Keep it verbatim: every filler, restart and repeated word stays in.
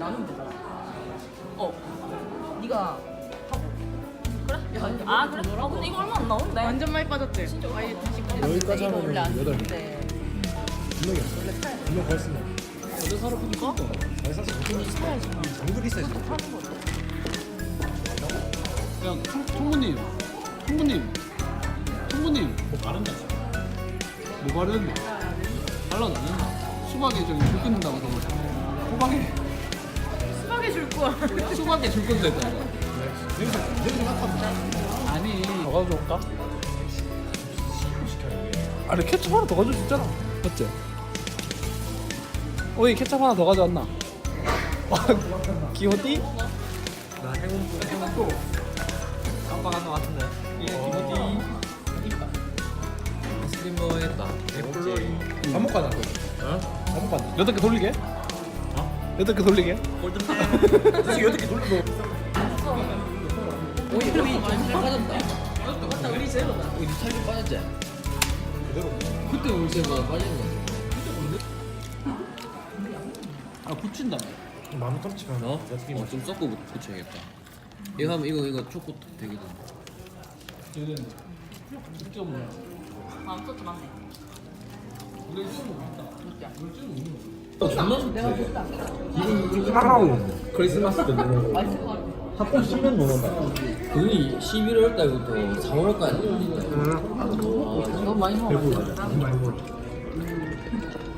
나누면 되잖아. 어. 네가 하고. 그래? 야, 아 그래? 아 근데 이거 얼마 안 나오는데? 완전 많이 빠졌지? 진짜 아예 다시 여기까지 이거 하면 원래 안 여덟 개. 쓰는데. 분명히 없어. 원래 사야 돼. 분명 벌써 어제 사러 보니까 잘 사서 보통 사야지. 정글 있어야지. 하는 거죠. 야 청- 청구님 청구님 청구님 뭐 바른다. 뭐 바르는데? 발라도 안 된다. 수박에 저기 줄 끊는다고 저거. 호박에 수박에 줄 거야. 수박에 줄 건데 이거. 냄새 냄새 맡아. 아니 더 가져올까? 아니 케첩 하나 더 가져올 수 있잖아. 맞지? 오이 케첩 하나 더 가져왔나? 기호띠? 나 행운 행운 깜빡한 것 같은데. 예, 기호띠. 스트리머 했다. 애플로이. 반복 가자. 어? 한번 봐. 여덟 개 돌리게? 어? 여덟 개 돌리게? 골든벨. 솔직히 여덟 개 돌려도. 오이 오이 좀잘 빠졌다. 맞다 우리 제로다. 우리 살좀 빠졌지? 그대로. 그때 우리 세보다 빠지는 거지. 아 붙인다. 마음 깜찍한. 어? 어, 좀 섞고 붙- 붙여야겠다. 이거 하면 이거 이거 초코 되거든. 얘는 직접 뭐야? 아 소스 맞네. 우리 지금 뭐 있다. 내가 볼다. 하하오. 크리스마스 때 먹는 거. 맛있을 것 같아. 합본 십년 넘었나? 그게 십일월 달부터 사월까지 있다. 너무 많이 먹어. 배부르다. 많이 먹어.